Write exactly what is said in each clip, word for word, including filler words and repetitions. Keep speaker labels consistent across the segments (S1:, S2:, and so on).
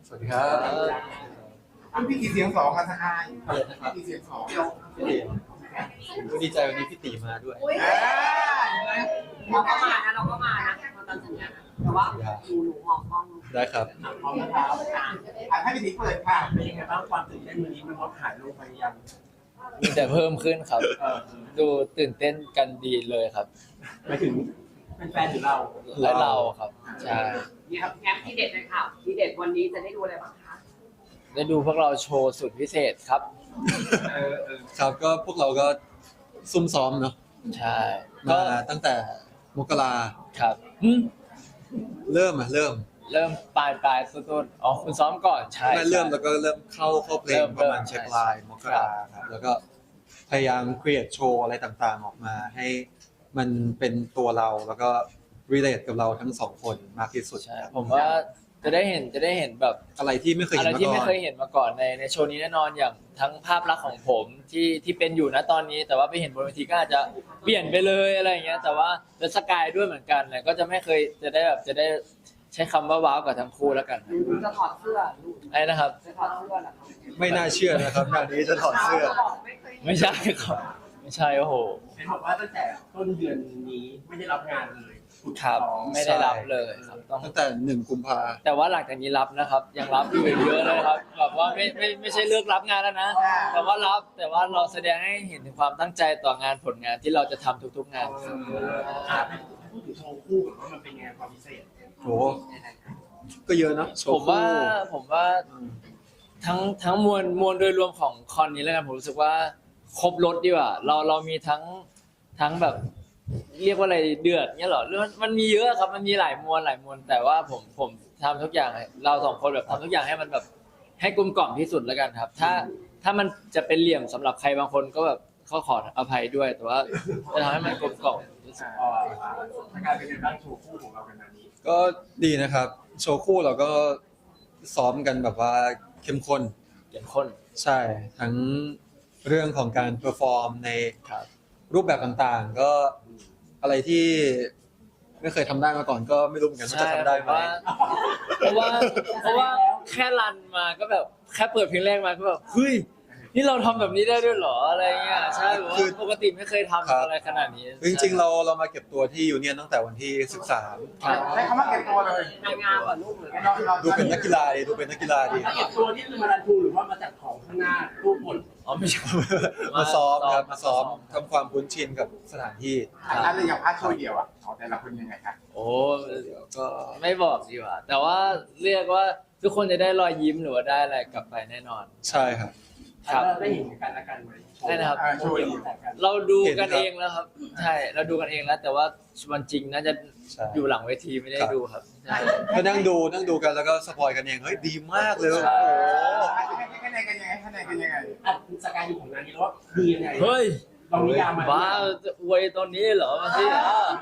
S1: สวัสดีครับ
S2: คุณพี่กี่เสียงสองกันทายกี่เสียงสอง
S1: พี่ตีดีใจวันนี้พี่ตีมาด้วย
S3: เราก็มานะเราก็มานะมาตามสัญญาแต่ว่าหนูหนูหอกห้อง
S1: ได้ครับ
S2: พร้อมนะครับอ่ะให้พี่ตีเปิดค่ะ
S4: เป็นยังไงบ้างความตื่นเต้นวันนี้มันลดหายลงไปยัง
S5: มีแต่เพิ่มขึ้นครับ ดูตื่นเต้นกันดีเลยครับ
S4: หมายถึงเป็นแฟนหรือเรา
S5: และเราครับใช่
S3: เนี่ยครับงั้นที่เด็ดเลยค่ะที่เด็ดวันนี้จะได้ดูอะไรบ้างคะ
S5: ได้ดูพวกเราโชว์สุดพิเศษครับ
S1: ครับก็พวกเราก็ซุ่มซ้อมเนาะ
S5: ใช่
S1: ก็ตั้งแต่มกรา
S5: ครับ
S1: เริ่มอ่ะเริ่ม
S5: เริ่มปลายปลายต้นๆอ๋อคุณซ้อมก่อนใช่
S1: เริ่มแล้วก็เริ่มเข้าเข้าเพลงประมาณเช็คไลน์มกราครับแล้วก็พยายามครีเอทโชว์อะไรต่างๆออกมาให้มันเป็นตัวเราแล้วก็รีเลทกับเราทั้งสองคนมากที่สุด
S5: ใช่ผมว่าจะได้เห็นจะได้เห็นแบบ
S1: อะไรที่ไม่เคยเห็น
S5: อะไรที่ไม่เคยเห็นมาก่อนในในโชว์นี้แน่นอนอย่างทั้งภาพลักษณ์ของผมที่ที่เป็นอยู่นะตอนนี้แต่ว่าไปเห็นบนเวทีก็อาจจะเปลี่ยนไปเลยอะไรอย่างเงี้ยแต่ว่าเดอะสกายด้วยเหมือนกันเลยก็จะไม่เคยจะได้แบบจะได้ใช้คำว่าว้าวกับทั้งคู่แล้วกัน
S3: จะถอดเสื้อ
S5: ไอ้นะครับ
S3: จะถอดเสื้อเหรอครับ
S1: ไม่น่าเชื่อนะครับงานนี้จะถอดเสื้อ
S5: ไม่ใช่ครับไม่ใช่โอ้โห
S4: เห็นบอกว่าตั้งแต่ต้นเดือนนี้ไม่ได้รับงานเลย
S5: ครับไม่ได้รับเลยครับ
S1: ตั้งแต่หนึ่งกุมภา
S5: แต่ว่าหลังจากนี้รับนะครับยังรับอยู่เยอะเลยครับแบบว่าไม่ไม่ไม่ใช่เลือกรับงานแล้วนะแต่ว่ารับแต่ว่าเราแสดงให้เห็นถึงความตั้งใจต่องานผลงานที่เราจะทำทุกๆงาน
S4: พูดถึงโชว์คู่ว่ามันเป็นไงความพิเศษ
S1: โหก็เยอะนะ
S5: ผมว่าผมว่าทั้งทั้งมวลมวลโดยรวมของคอนนี้แล้วกันผมรู้สึกว่าครบรถดีกว่าเราเรามีทั้งทั้งแบบเรียกว่าอะไรเดือดเงี้ยหรอมันมันมีเยอะครับมันมีหลายมวลหลายมวลแต่ว่าผมผมทำทุกอย่างเราสองคนแบบทำทุกอย่างให้มันแบบให้กลมกล่อมที่สุดแล้วกันครับถ้าถ้ามันจะเป็นเหลี่ยมสำหรับใครบางคนก็แบบเขาขออภัยด้วยแต่ว่าจะทำให้มันกลมกล่อมที่สุด
S4: การเป็นการโชว์คู่ของเราเป็นแบบนี้
S1: ก็ดีนะครับโชว์คู่เราก็ซ้อมกันแบบว่าเข้มข้น
S5: เข้มข้น
S1: ใช่ทั้งเรื่องของการเพอร์ฟอร์มในรูปแบบต่างๆก็อะไรที่ไม่เคยทำได้มาก่อนก็ไม่รู้เหมือนกันว่าจะทำได้ไหม
S5: เพราะว่าเพราะว่าแค่รันมาก็แบบแค่เปิดเพลงแรกมาก็แบบเฮ้ยนี่เราทำแบบนี้ได้ด้วยเหรออะไรเงี้ยใช่คือปกติไม่เคยทำอะไรขนาดนี้
S1: จริงๆเราเรามาเก็บตัวที่ยูเนียนตั้งแต่วันที่สิบสาม
S2: ใช้คำว่าเก็บตัวเลย
S3: ทำงานก่อนลูกเลย
S1: ดูเป็นนักกีฬาดีดูเป็นนักกีฬาดี
S4: เก็บตัวนี่คือมารันทูหรือว่ามาจัดของข้างหน้ารูปหมด
S5: อ๋อไม่ใช่
S1: มาซ้อมครับมาซ้อมทำความคุ้นชินกับสถานที่
S2: อะไรอย่างพาร์ทโชว์เดียวอ่ะของแต่ละคนยังไงครับ
S5: โอ้ก็ไม่บอกดีกว่าแต่ว่าเรียกว่าทุกคนจะได้รอยยิ้มหรือว่าได้อะไรกลับไปแน่นอน
S1: ใช่ครับ
S4: ครับได้เห็นกันละกันไหม
S5: ใช่นะครับเราดูกันเองแล้วครับใช่เราดูกันเองแล้วแต่ว่าวันจริงน่าจะอยู่หลังเวทีไม่ได้ดูครับ
S1: ก็นั่งดูนั่งดูกันแล้วก็สปอยกันเองเฮ้ยดีมากเลยโอ้
S2: คะแนนกันยังไงคะแนนกันยังไง
S4: อ่ะสกายอยู่ของงานนี้แล้วว่าดียังไง
S5: เฮ้ย
S4: ลองนิยามมา
S5: บ้าจะอวยตอนนี้เหรอมาสิ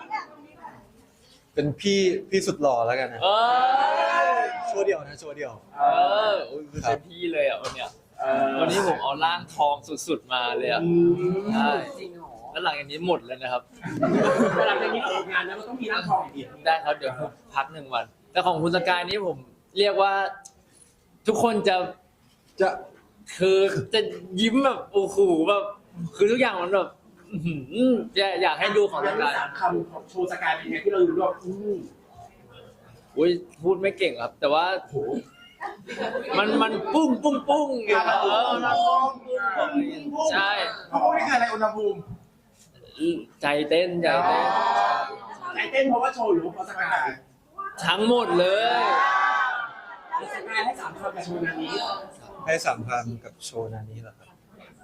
S1: เป็นพี่พี่สุดหล่อแล้วกันนะโชว์เดียวนะโชว์เดียว
S5: เออคือเป็นพี่เลยอ่ะวันเนี้ยวันนี้ผมเอาร่างทองสุดๆมาเลยอ่ะใช่
S3: จริงเหรอ
S5: แล้วหลังจากนี้หมดเลยนะครับ
S4: หลังจากนี้ออกงานแล้วมันต้องมีร่างทองอีก
S5: ได้ครับเดี๋ยวพักหนึ่งวันแต่ของคุณสกายนี้ผมเรียกว่าทุกคนจะ
S1: จะ
S5: คือจะยิ้มแบบโอ้โหแบบคือทุกอย่างมันแบบอยากให้ดูของสกาย
S4: คำของโชว์สกายเป็นไงที่เราดูด้วย
S5: อุ้ยพูดไม่เก่งครับแต่ว่ามันมันปุ้งปุ้งปุ้งอย่างเงี้ยเออใช่
S2: เขาพูดนี่คืออะไรอุณหภูมิ
S5: ใจเต้นใจเต้น
S4: ใจเต้นเพราะว่าโชว์หรือเพราะสกาย
S5: ทั้งหมดเลย
S4: สกายให้สามคำกับโชว์นี้
S1: ให้สามคำกับโชว์นี้เหรอครับ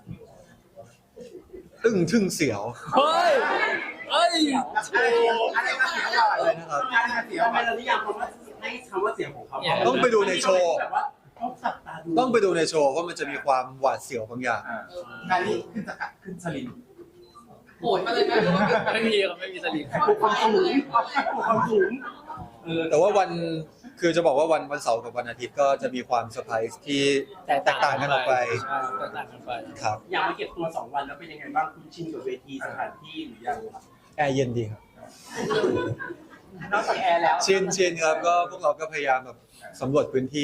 S1: ตึ้งทึ่งเสียว
S5: เฮ้ยเฮ้ย
S2: อะไรมาเสียวก่อนเลยนะครับอะไรมาเสียว
S4: ทำไมเรานิยามคำว่าให้คำว่าเสียงของเขา
S1: ต้องไปดูในโชว์ต้องไปดูในโชว์ว่ามันจะมีความหวาดเสียวบางอย่าง
S2: งานนี้ขึ้นสกัดขึ้นสลิง
S3: โหดมาเลยนะ
S5: ไม่มีครับไม่มีสลิง
S4: ความสูงความสูง
S1: แต่ว่าวันคือจะบอกว่าวันวันเสาร์กับวันอาทิตย์ก็จะมีความเซอร์ไพรส์ที่แตกต่างกันออกไป
S5: แตกต่างกันไป
S1: ครับ
S4: อยากมาเก็บตัวสองวันแล้วเป็นยังไงบ้างคุณชินกับเวทีสถานที่หรือยัง
S1: แอร์เย็นดีครับ
S3: นอกจากแอร์แล้ว
S1: ชินชินครับก็พวกเราก็พยายามแบบสำรวจพื้นที่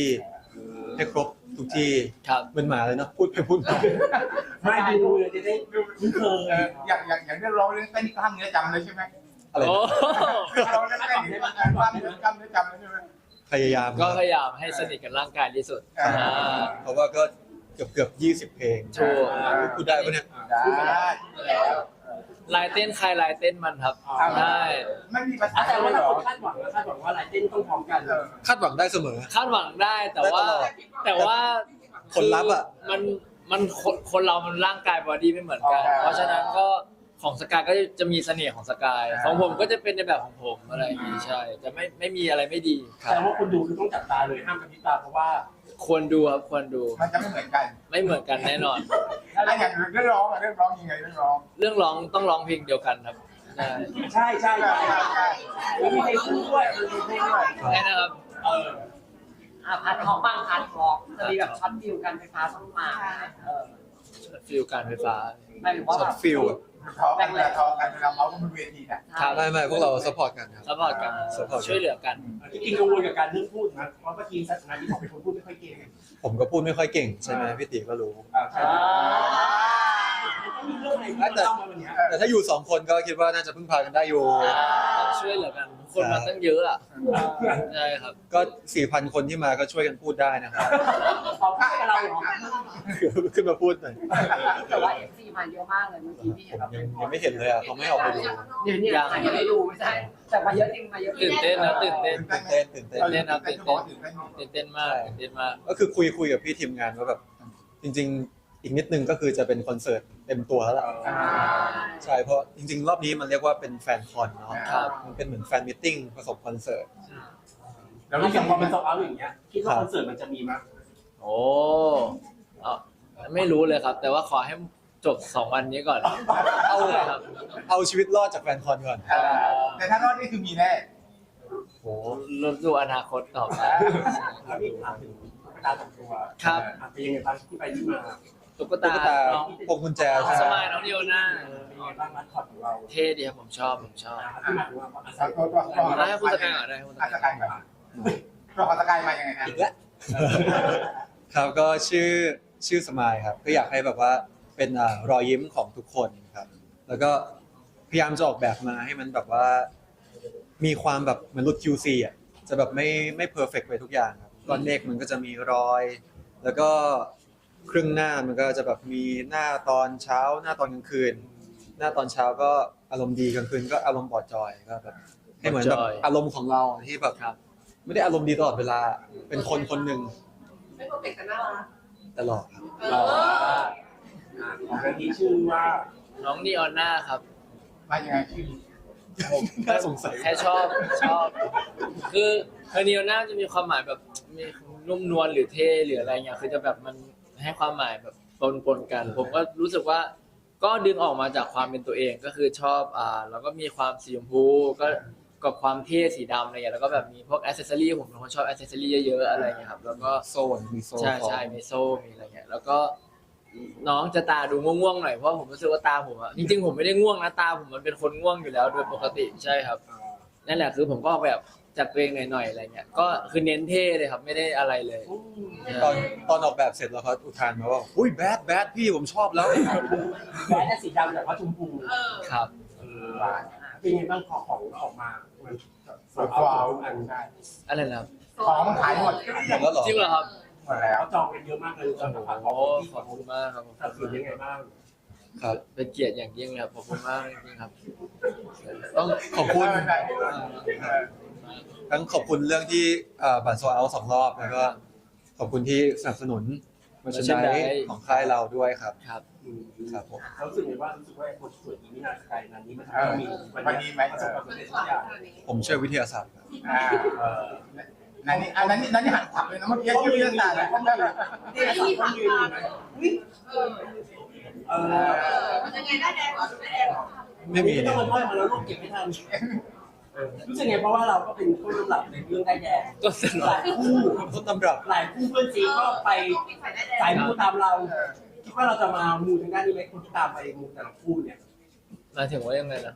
S1: ให้ครบทุกที่
S5: ครับ
S1: เหมือนหมาเลยเนาะพูดไปพูดมา
S4: ไม่ดูเลยจะได้คุ้นเค
S2: เอย ออย่างอย่างอย่างเรื่องร้องเรื่องเต้นนี่กล้ามเนื้อจำเลยใช่ไหม
S1: อะไร
S5: โอ้
S2: เราเรื่องเต้นนี่กล้ามเนื้อกล้ามเนื้อจำเลยใช่ไหม
S1: พยายาม
S5: ก็พยายามให้สนิทกับร่างกายที่สุด
S2: อ่า
S5: อ่า
S1: เพราะว่าก็เกือบเกือบยี่สิบเพลง
S5: ถูก
S1: พูดได้ปะเนี่ย
S2: ได้แล้ว
S5: ลายเต้นใครลายเต้นมันครับใช่
S2: ไม่มีภาษา
S4: แต่
S2: เล
S4: ว่าย
S2: เหร
S4: ถ้า
S2: อ
S4: คนคาดหวังนะคาดหวังว่าหลายเต้นต้องพร้อมกัน
S2: เออ
S1: คาดหวังได้เสมอ
S5: คาดหวังได้แต่ว่า
S1: ได้ตลอด
S5: แต่ว่า
S1: ผลลัพธ์อะ
S5: มันมันคนคนเรามันร่างกายบอดี้ไม่เหมือนกัน เพราะฉะนั้นก็ของสกายก็จะมีเสน่ห์ของสกายของผมก็จะเป็นในแบบของผมอะไรอย่างนี้ใช่ จะไม่ไม่มีอะไรไม่ดีครั
S4: แต่
S5: บ
S4: ว่าคนดูคือต้องจับตาเลยห้ามกระพริบตาเพราะว่า
S5: ควรดูครับควรดู
S2: มันจะไม่เหมือนกัน
S5: ไม่เหมือนกันแน่นอน
S2: อะไรอย่างเรื่องร้องอะเรื่องร้องยังไงเรื่องร้อง
S5: เรื่องร้องต้องร้องเพลงเดียวกันครับใช่
S4: ใช่ใช่
S2: ใช่
S4: ใช่
S2: ใช่ใช่
S4: แล้วมีเพลงคู่ด้วย
S2: มีเพลงด้วย
S5: แค่นะครับ
S4: เออ
S3: อ่ะพัดทองบ้างพัดทองจะมีแบบช็อตฟิวกันไฟฟ้าต้องมาเออ
S5: ฟิลการไฟฟ้า
S3: หมายถึงว่า
S1: ช็
S3: แบ
S1: อบ ตฟิลอะ
S2: ท้องกันเวลาท้องกันเวลาเมาส์กันบนเวทีน่ะ
S5: ครับ
S1: ไม่ไม่พวกเราสปอร์ตกันครับ
S5: ซัพพอร์ตกัน
S1: support
S5: ช่วยเหลือกัน
S4: จริงๆกังวลกับการเรื่องพูดนะเพราะเมื่อกี้สัตนาที่บอกเป็นคนพูดไม่ค่อยเก่ง
S1: ผมก็พูดไม่ค่อยเก่งใช่ไหมพี่ติก็รู้
S2: อ่าใช่
S4: ต้องมีเรื่องอะไรที่มันต้องมาวันเนี้ย
S1: แต่ถ้าอยู่สองคนก็คิดว่าน่าจะพึ่งพากันได้อยู่
S5: ต้องช่วยเหลือกัน คนมาตั้งเยอะอ่ะใช่ครับ
S1: ก็สี่พันคนที่มาก็ช่วยกันพูดได้นะครับ
S4: เอาพูดกับเราเหรอ
S1: ขึ้นมาพูดหน่อย
S3: แต่ว่าเอฟซีมาเยอะมากเลยเมื่อกี้ที่เห็นแบบ
S1: ยังยังไม่เห็นเลยอ่ะเขาไม่ให้ออกไปดู
S3: เดี๋ยวนี้ถ่ายไม่ได้ดูไม่ใช่แต่มาเยอะจริงมาเยอะจริ
S5: ตื่
S3: ง
S5: นเต้นนะตื่นเต้น
S1: ตื่นเต้นตื่นเต้น
S5: เต้นนะตื่นเต้น
S2: ตื่นเต้น
S5: ตื่นเต้นมากตื่นเต้นมาก
S1: ก็คือคุยคุยกับพี่ทีมงานว่าแบบ จริง ๆ อีกนิดนึงก็คือจะเป็นคอนเสิร์ตเต็มตัวแล้วล่ะ
S2: อ่า
S1: ใช่เพราะจริง ๆ รอบนี้มันเรียกว่าเป็นแฟนคอนเนาะ
S5: ครับ
S1: มันเป็นเหมือนแฟนมิทติ้งผสมคอนเสิร์ต
S2: แล้ว
S4: แล้ว
S2: รู้
S4: อ
S2: สึ
S4: ย่าก งพอ
S2: ว่า
S4: มั
S2: มัน น
S4: โซเอาอย่างเงี้ยคิดว่าคอนเสิร์ตมันจะมีมั้ย
S5: โอ้เอาไม่รู้เลยครับ แต่ว่าขอให้จบสองวันนี้ก่อน
S1: เอา
S5: ครับ
S1: เอาชีวิตรอดจากแฟนคอนก่อน
S2: อ่าแต่ถ้ารอดนี่คือมีแน่
S1: โอ้
S5: รถดูอนาคตต่อไป
S4: แล้วพี่ถามถึงตุ๊กตาสองตัว
S5: ครับ
S4: อ่ะเป็นยังไงบ้างที่ไปที่มา
S5: ตุ๊ก
S1: ตุ๊
S5: ตาก
S1: ตา
S5: น้อง
S1: พวงกุญแจใช่
S5: ส
S1: ไหม
S5: มายน้องเดียวหน้า
S4: เออเป็นยังไงบ้างมัดคอตของเรา
S5: เท่ดีครับผมชอบผมชอบ
S4: อ่ะที่มาถึงว่าอา
S2: เอา
S4: ศัย
S2: ตัวตัวตัว
S5: ได้ให้คุณสกายก่อนได้ให้คุณส
S2: อาส
S5: กาย
S2: กายแบบตัวของสกายมายังไงครับ
S1: อีกแล้ว ครับก็ชื่อชื่อสมายครับก็อยากให้แบบว่าเป็นอ่ารอยยิ้มของทุกคนครับ แล้วก็พยายามจะออกแบบมาให้มันแบบว่า มีความแบบเหมือนรุ่น คิว ซี อ่ะจะแบบไม่ไม่เพอร์เฟกไปทุกอย่างครับก้อนเมฆมันก็จะมีรอย แล้วก็ครึ่งหน้ามันก็จะแบบมีหน้าตอนเช้า หน้าตอนกลางคืน หน้าตอนเช้าก็อารมณ์ดีกลางคืนก็อารมณ์บอดจอยก็แบบให้เหมือนแบบอารมณ์ของเราที่แบบ
S5: ครับ
S1: ไม่ได้อารมณ์ดีตลอดเวลาเป็นคนคนหนึ่ง
S3: ไม่โปรเจกต์กันน่ารัก
S1: ตลอดครับ
S3: เออ
S4: อ่ะของอันนี้ชื่อว่า
S5: น้องนีออนหน้าครับ
S2: มายังไงชื่อ
S1: น่าสงสัย
S5: แค่ชอบชอบ คือเฮอร์เนียน่าจะมีความหมายแบบมีนุ่มนวลหรือเท่หรืออะไรเงี้ยคือจะแบบมันให้ความหมายแบบปนปนๆกัน ผมก็รู้สึกว่าก็ดึงออกมาจากความเป็นตัวเองก็คือชอบอ่าแล้วก็มีความสีชมพูก็กับความเท่สีดำอะไรเงี้ยแล้วก็แบบมีพวกอ c เซสซอรี่ผมเป็นคนชอบอ c เซสซอรี่เยอะๆอะไรเงี้ยครับแล้วก็
S1: โซ่มีโซ่
S5: ใช่ใช่มีโซ่ มีอะไรเงี้ย แล้วก็น้องจะตาดูง่วงๆหน่อย เพราะผมรู้สึกว่าตาผมอะจริงๆผมไม่ได้ง่วงนะ ตาผมมันเป็นคนง่วงอยู่แล้วโดยปกติ ใช่ครับ นั่นแหละคือผมก็แบบจัดตัวเองหน่อยๆอะไรเงี้ย ก็คือเน้นเท่เลยครับ ไม่ได้อะไรเลย
S1: ตอนตอนออกแบบเสร็จแล้วเขาอุทานมาว่าอุ้ยแบดแบดพี่ผมชอบแล้ว
S4: แม้แต่สีดำแต่ว่าชมพู
S3: เออ
S5: ครับ
S4: เออเป็นยังไงบ้างพอของออกมามัน
S2: สวยกว่าอันใช่
S5: อะไรนะครับ
S2: ของมันขายหมด
S1: หมดแล้วเหรอ
S5: จริงเหรอครับ
S2: หมดแล้ว
S4: เขาจองกันเยอะมากเลยจองกับฝากข
S5: โอ้
S4: องที่
S5: ขอบคุณมากครับผม
S4: สัดส่วนยังไงบ้าง
S1: ครับ
S5: เป็นเกียรติอย่างยิ่งเลยครับขอบคุณมากจริงๆครับ ต้องขอบคุณ
S2: ใช่ใช่เออ
S1: ทั้งขอบคุณเรื่องที่เอ่อบัตรโซเอาสองรอบแล้วก็ขอบคุณที่สนับสนุนมาชนไดของค่ายเราด้วยครับ
S5: ครับ
S4: อืม
S1: ครับผม
S4: เขารู้สึกไงว่ารู้สึกว่าไอ้คนสวยนี้ไม่น่าใครนั้นนี้มันทำ
S2: เอ
S4: ให้
S2: อ
S4: มี
S2: วันนี้ไหม
S4: ประสบความสำเร็จทุกอย่าง
S1: ผมเชื่อวิทยาศาสตร์ครับ
S2: อ่า
S4: เออ
S2: นั่นนี่อันนั้นนี่นั่นนี่หันขับเลยนะเมื่อกี้ชื่อเรื่องต่างเลย
S4: ที่สามคนยืนอยู่นะเออ
S3: เออมันยังไงได้แดงเหรอไม่แดงเหรอ
S1: ไม่มี
S4: ต้
S1: เนี่
S4: อย งมาพ่อยมาแล้วลูกเก็บไม่ทันเออรู้สึกไงเพราะว่าเราก็เป็นผู้กำกับในเรื่องได้แดง
S5: ก็สนุ
S4: ห
S5: ก
S4: ลายคู่
S1: ต้นตำรับ
S4: หลายคู่เพื่อนซีก็ไปสายมูตามเราคิดว่าเราจะมามูทางด้านนี้ไหมคนที่ตามไปมูแต่ละคู่เนี่ย
S5: หมายถึงว่ายังไงนะครับ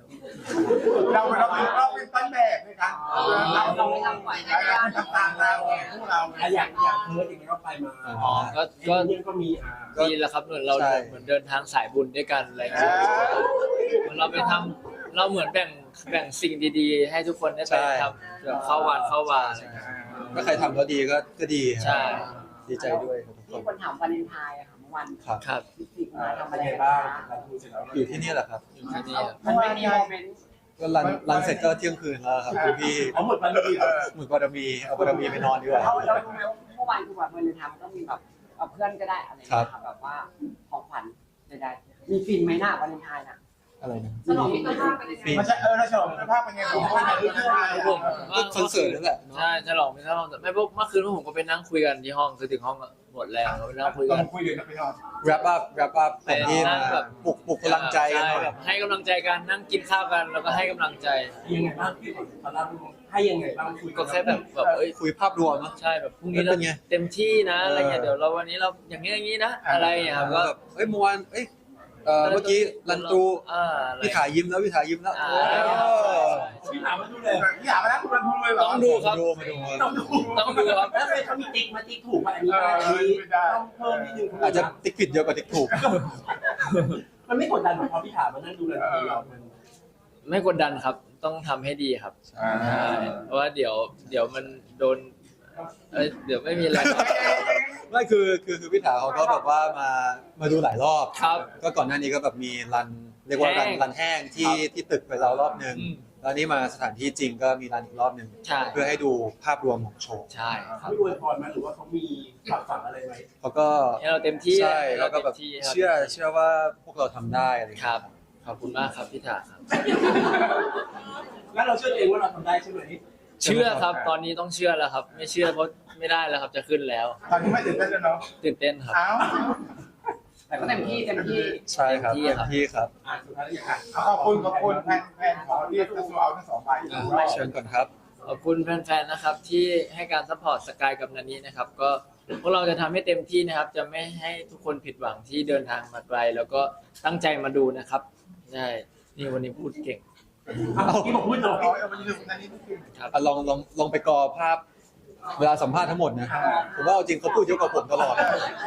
S2: เราเราเป็นเราเป็นต้นแบบในการ
S3: เราเราไม่ทำไหวนะ
S2: เราทำตามเราพวกเรา
S4: อ่ะอยากอยากเพิร์ดอย่างเงี้ยก็ไปมา
S5: อ๋อก็
S4: ก็
S5: ก็
S4: ก็มีอ่า
S5: ดีแล้วครับเหมือนเรา
S1: ใช่
S5: เหมือนเดินทางสายบุญด้วยกันอะไรอย่างเงี้ยเหมือนเราไปทำเราเหมือนแบ่งแบ่งสิ่งดีๆ ให้ทุกคนได้ไปทำแบบเข้าวัดเข้าวาอะไรอย่างเงี้ย
S1: ก็ใครทำแล้วดีก็ก็ดีครับ
S5: ใช่
S1: ดีใจด้วยครับทุกค
S3: มี
S1: น
S3: คนถามวาเลนไทน์อะค่ะเมื่อวัน
S1: ครับ
S5: ครับ
S3: พิจิก
S4: อ่า
S3: มาทำ
S4: เป็
S3: อะ
S4: น
S3: ไร
S4: ไง
S3: กัน
S4: บ้าง
S3: คะ
S4: หลังจากเสร็จแล้ว
S1: อยู่ที่นี่แหละครับ
S5: อยู่ที่นี่ครับ
S3: มันไม่มีโมเมนต์
S1: ก็รันรันเสร็จก็เที่ยงคืนแล้วครับคุณพี่
S4: เอาหมดวันเลยเหรอ
S1: หมุนบารมีเอาบารมีไปนอนดีกว่า
S3: เราเรารู้ไหมว่าเมื่อวานคือแบบวาเลนไทน์มันต้องมีแบบเอาเพื่อนก็ได้อะไรอย่างเงี้ยค่ะแบบว่าของขวัญใดๆมีฟินไหมหน้าวาเลนไทน์น่ะ
S1: อะไรนะ
S3: ฉลองมิตรภาพกันเลย
S1: ฟิน
S2: มันจะเออเราฉลองคุณภาพเป็นไงผมว่าเรื่อยๆ
S5: ผม
S1: ก็คอนเสิร์ตนั่นแหละเนอะ
S5: ใช่ฉลองไม่ฉลองแต่ไม่พวกเมื่อคืนผมก็ไปนั่งคุยกันที่ห้องคือถึงห้องก็หมดแล้วก็ไปนั่งคุย
S2: ต้
S5: กั
S2: อน งคุยเดี๋ยวนะพี่นอน
S1: wrap up wrap up ก่อนที่
S5: นั่
S1: มาง
S5: แบบ
S1: ปลุกปลุกพลังใจกันหน่อย
S5: ช่แบบให้กำลังใจกันนั่งกินข้าวกันแล้วก็ให้กำลังใจ
S4: ยังไงบ้างพี่ตอนนั้นให้ยังไงบ้างคุย
S5: ก็แค่แบบแบบเอ้ย
S1: คุยภาพรวมเนอะ
S5: ใช่แบบพรุ่งนี้เรา
S1: เป็นไง
S5: เต็มที่นะอะไรเงี้ย
S1: เออ
S5: เดี๋ยวเราวันนี้เราอย่างนี้อย่างนี้นะอะไรอย่างเงี้ยครับ
S1: แล้
S5: ก็
S1: วแบบเอ้ยเมื่อวานเอ้ยเอ่อเมื่อกี้รันตู
S5: อ่าอะไร
S1: พี่ขายิ้มแล้วพี่ขายิ้มแล้ว
S5: อ่า
S1: เออ
S4: พี่ถามมาดูเลย
S2: พี่อยากมาแล้วคุณรันทุนเลยเหรอ
S5: ต้องดูครับ
S1: มาดูมาดู
S4: ต้องดู
S5: ต้องดูครับ
S4: แล้วเป็นเขามีติ๊กมาติ๊กถูกป่ะอันนี้อันนี้ต้องเพิ่มนิดนึง
S1: อาจจะติ๊กผิดเยอะกว่าติ๊กถูก
S4: มันไม่กดดันหรอกพอพี่ถามมานั่งดูเลยเรามัน
S5: ไม่กดดันครับต้องทำให้ดีครับ
S2: อ่า
S5: ใช่เพราะว่าเดี๋ยวเดี๋ยวมันโดนเอ้ยเดี๋ยวไม่มีอะไร
S1: ไม่คือคือคือพี่ถาเขาก็แบบว่ามามาดูหลายรอบ
S5: ครับ
S1: ก็ก่อนหน้านี้ก็แบบมีรันเรียกว่ารัน
S5: แห้ง
S1: รันแห้งที่
S5: ครับ
S1: ที่ตึกไปแล้วรอบหนึ่ง
S5: อืม
S1: แล้วนี่มาสถานที่จริงก็มีรันอีกรอบหนึ่ง
S5: ใช่
S1: เพื่อให้ดูภาพรวมของโชว์
S5: ใช่ครับ
S4: เขาอวยพรมาหรือว่าเขามีฝากฝังอะไรไว้
S1: เขาก็
S5: ให้เราเต็มที่
S1: ใช่
S5: ให้
S1: แล้
S5: เรา
S1: วก็
S5: เต็ม
S1: แบบ
S5: ที่ครับ
S1: เชื่อเชื่อว่าพวกเราทำได้อะไรอย่าง
S5: ค
S1: เงี้ย
S5: รับขอบคุณมากครับพี่ถาครับ
S4: แล้วเราเชื่อตัวเองว่าเราทำได้ใช่ไหม
S5: เชื่อครับตอนนี้ต้องเชื่อแล้วครับ ไม่เชื่อเพราะไม่ได้แล้วครับจะขึ้นแล้ว
S2: ตอนนี้ไม่ตื่นเต้นแล้วเนาะ
S5: ตื่นเต้นครับ
S2: เอ้า
S3: แต่ก็เต็มที่เต็มที่
S1: ใช่ครับ
S5: เต็มที่
S1: เต็ม
S5: ครับ
S1: ที่ครับ
S4: อ่าสุดท้ายแล้วอยากอ่ะ
S2: ขอบคุณขอบคุณแฟนแฟนขอเรียกตัวเอาทั้งสองใบ
S1: อ่ะเชิญก่อนครับ
S5: ขอบคุณแฟนๆนะครับที่ให้การซัพพอร์ตสกายกับนันนี้นะครับ ก็พวกเราจะทำให้เต็มที่นะครับ จะไม่ให้ทุกคนผิดหวังที่เดินทางมาไกลแล้วก็ตั้งใจมาดูนะครับใช่นี่วันนี้พูดเก่ง
S4: เอาที่ผมพูดต่อ
S2: เอาเอาไปดูนั่นนี่คือ
S5: ครับ
S1: อ่ะลองลองลองไปกอภาพ เวลาสัมภาษณ์ทั้งหมดนะผมว่าเอาจริงเขาพูดเยอะกว่าผมตลอด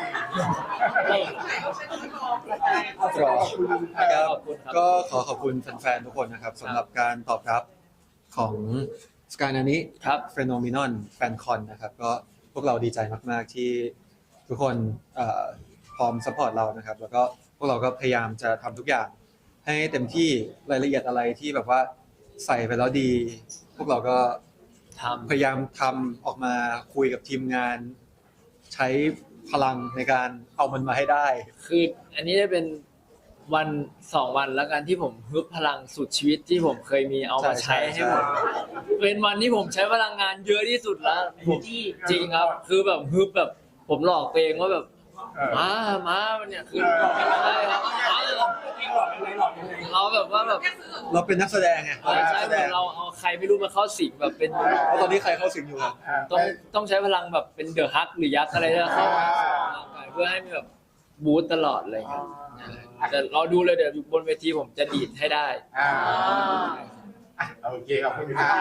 S4: เอาสุดท้ายขอบคุณ
S1: ครับ
S5: ขอบคุณครับ
S1: ก็ขอขอบคุณแฟนๆทุกคนนะครับสำหรับการตอบรับของสกายนานี้
S5: ครับ
S1: เฟโนมินอนแฟนคอนนะครับ ก็พวกเราดีใจมากๆที่ทุกคนเอ่อพร้อมสปอร์ตเรานะครับ แล้วก็พวกเราก็พยายามจะทำทุกอย่าง ให้เต็มที่รายละเอียดอะไรที่แบบว่าใส่ไปแล้วดี พวกเราก็
S5: ทำ
S1: พยายามทำออกมาคุยกับทีมงาน ใช้พลังในการเอามันมาให้ได้
S5: คืออันนี้จะเป็นวันสองวันแล้วกันที่ผมฮึบพลังสุดชีวิตที่ผมเคยมีเอามา
S1: ใช่
S5: ใช้
S1: ใช่
S5: ให้หมดเป็นวันที่ผมใช้พลังงานเยอะที่สุดแล้วผมจริงครับ คือแบบฮึบแบบผมหลอกตัวเองว่าแบบมามาเนี่ยคือใช่ครับมา
S4: จริงหรอกยังไงหรอกยังไง
S5: เราแบบว่าแบบ
S1: เราเป็นนักแสดงไง
S5: ใช่
S1: เราเป็นนัก
S5: ใช่
S1: แส
S5: เห
S1: ด
S5: มือง นเราเอาใครไม่รู้มาเข้าสิงแบบเป็น
S1: แล้วตอนนี้ใครเข้าสิงอยู่ครับ
S5: ต้องต้องใช้พลังแบบเป็นเดอะฮักหรือยักษ์อะไรที่เข้ามาเพื่อให้มีแบบบูตตลอดอะไรอย่างเงี้ยแต่เราดูเลยเดี๋ยวอยู่บนเวทีผมจะดีดให้ได้
S2: อ่าอ่ะโอเคขอบคุณครับ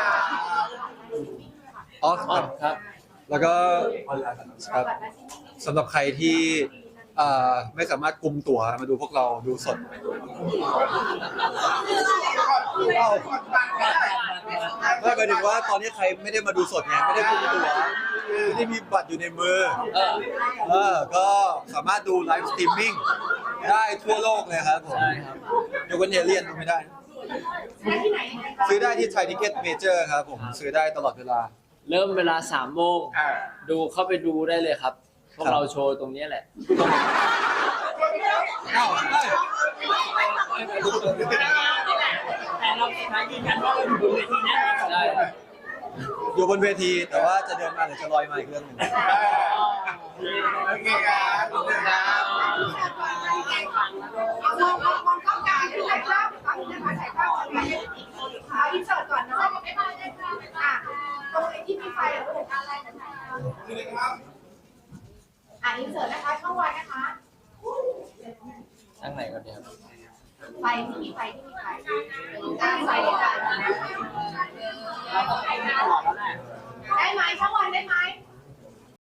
S1: อ๋อ
S5: อ๋อครับ
S1: แล้วก็
S4: ออนไลน์
S1: ครับสำหรับใครที่เอ่อไม่สามารถกุมตั๋วมาดูพวกเราดูสดไม่หมายถึงว่าตอนนี้ใครไม่ได้มาดูสดไงไม่ได้กุมตั๋วไม่ได้มีบัตรอยู่ในมือ
S5: เออ
S1: เออก็สามารถดูไลฟ์สตรีมมิ่งได้ทั่วโลกเลยครับผม
S5: ใช่ครับ
S1: ยกเว้นเอเลียนดูไม่ได้ ซื้อได้ที่ไทยทิเก็ตเมเจอร์ครับผมซื้อได้ตลอดเวลา
S5: เริ่มเวลาสามโมง
S2: อ่า
S5: ดูเข้าไปดูได้เลยครับ พวกเราโชว์ตรงนี้แหละ
S1: เอ้าเอ้ย
S4: แต่เราสุดท้ายยืนยันว่าเราอยู่บนเวทีแน่นอน
S5: ใช่
S1: อยู่บนเวทีแต่ว่าจะเดินมาหรือจะลอยมาอีกเรื่องหนึ่ง
S2: โอเคครับขอบคุณครับ
S6: มองมองมองเข้ากลางถ่ายภาพถ่ายภาพถ่ายภาพก่อนนะเอาอินเสิร์ตก่อนเนาะอ่ะตรงไอ้ที่มีไฟอะลูกอะไรนะคะอ่ะอินเสิร์ตนะคะช่องวันนะคะ
S5: ทั้งไหนก็เดียว
S6: อไฟที่มีไฟที่มีไฟตั้งไฟด้วยกัน
S3: เราต้องให้หน้าหล่อแล้วแหละ
S6: ได้ไหมช่างวันได้ไหม